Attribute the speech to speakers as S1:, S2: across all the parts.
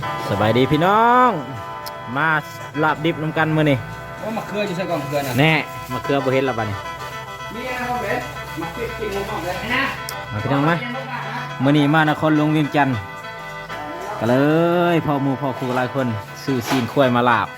S1: สบายดีพี่น้องมาลาบดิบน้ำกันมื้อนี้
S2: ว่ามะเขืออยู่ใส่กล่องมะเขือน่ะ
S1: แน่มะเขือบ่เห็นแล้วบัดนี้
S2: มีอะไรบ้างเบ็ดมะเขือกินงงเลยนะ
S1: มาพี่น้องมามื้อนี้มานครหลวงเวียงจันทน์ก็เลยพ่อหมู่พ่อครูหลายคนซื้อซีนข้วยมาลาบ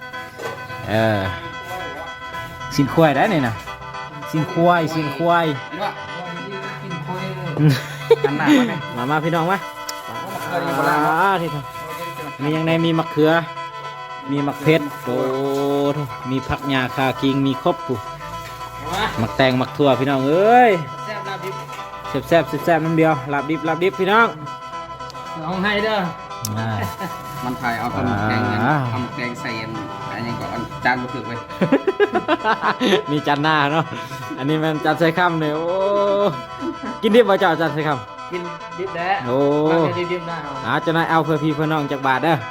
S1: ซีนข้วยได้นี่นะซีนข้วย
S2: กินว่ากินคุยกันหนา
S1: มาพี่น้องมาที่ทำมียังไงมีมะเขือมีมะเพ็ดโอ้มีผักหญ้าคาคิงมีครบปุ๊มักแตงมักถั่วพี่น้องเอ้ยแซ่บน้ำเดียวลาบดิบพี่น้อง
S2: ลองให้เด้อมันถ่ายเอาตำแกงทำแกงใส่อันนี้ก่อนจานมาถือไป
S1: มีจานหน้าเนาะอันนี้มันจานใส่ข้ามเนี่ยโอ้กินดิบบ่เจ้าจานใส่ข้าม
S2: กินดิบแด้
S1: โอ้
S2: ดิบได้
S1: จะนายเอาเพื่อพี่เพื่อน้องจากบาทเด้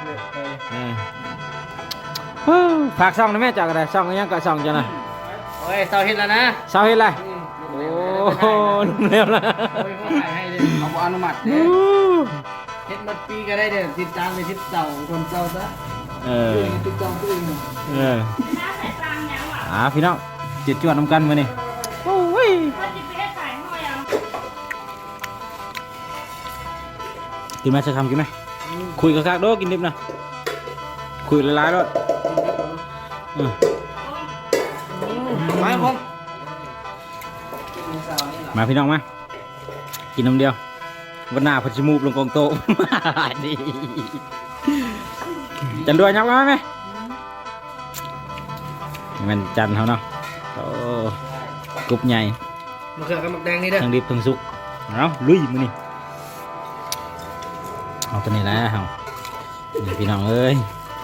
S1: อฝากซ่องนะแม่จากอะไรซ่องยังก็ซ่องจ้ะนะ
S2: โอ้ยเสาเห็ดแล้วนะ
S1: เสาเห็ดอะไรโอ้นุ่มเร็วละ
S2: โอ้ยเขาถ่ายให้เลยเอาอนุมัติเห็ดมัดปีก็ได้เดี๋ยวติดตามไปทิศเสาคนเสาซะติดตามตัวเอง
S1: พี่น้องจิตจวดน้ำกันมานี่โอ้ยกินไหมจะทำกินไหมคุยกับข้าโดกินดิบนะคุยละลายด้วยมาพี่น้องมากินน้ำเดียววันหน้าพัชมูบลงกองโตดีจันด้วยยักษ์ไหมมันจันเขาเนาะโอ้กรุบใหญ่
S2: มะเขือกับมะแดงนี่เด้อ
S1: ทั้งดิบทั้งสุกเอาลุยมือนี่เอาตัวนี้แล้วนี่พี่น้องเอ้ย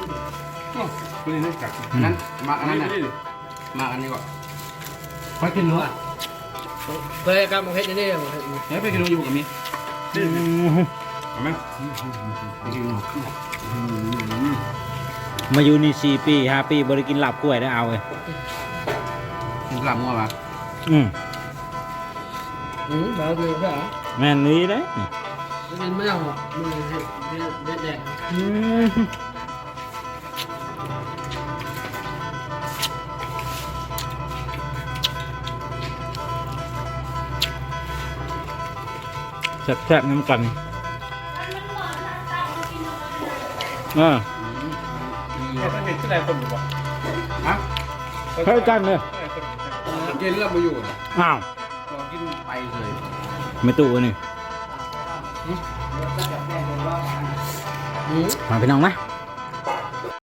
S2: นั้นมาอันนั้นมาอันนี้ก่อนไปกินเนื้อไปกับมะเขือนี่ไปกินเนื้ออยู่กับมี
S1: มาอยู่นี่4 ปี 5 ปีบริกินหลับกล้วยได้เอาเลย
S2: หลับงัวปะแบบนี้ใช่ไหม
S1: แม่นี้ได้
S2: เป็นไม่เอามือแดง
S1: แซ่บน้ำกัน
S2: เห็นที่ไหนคนอยู่ปะฮะ
S1: เท่ากันเลย
S2: กินแล้วมาอยู่
S1: อ้าว
S2: ลองกินไปเลย
S1: ไม่ตู้นี่มาพี่น้องนะ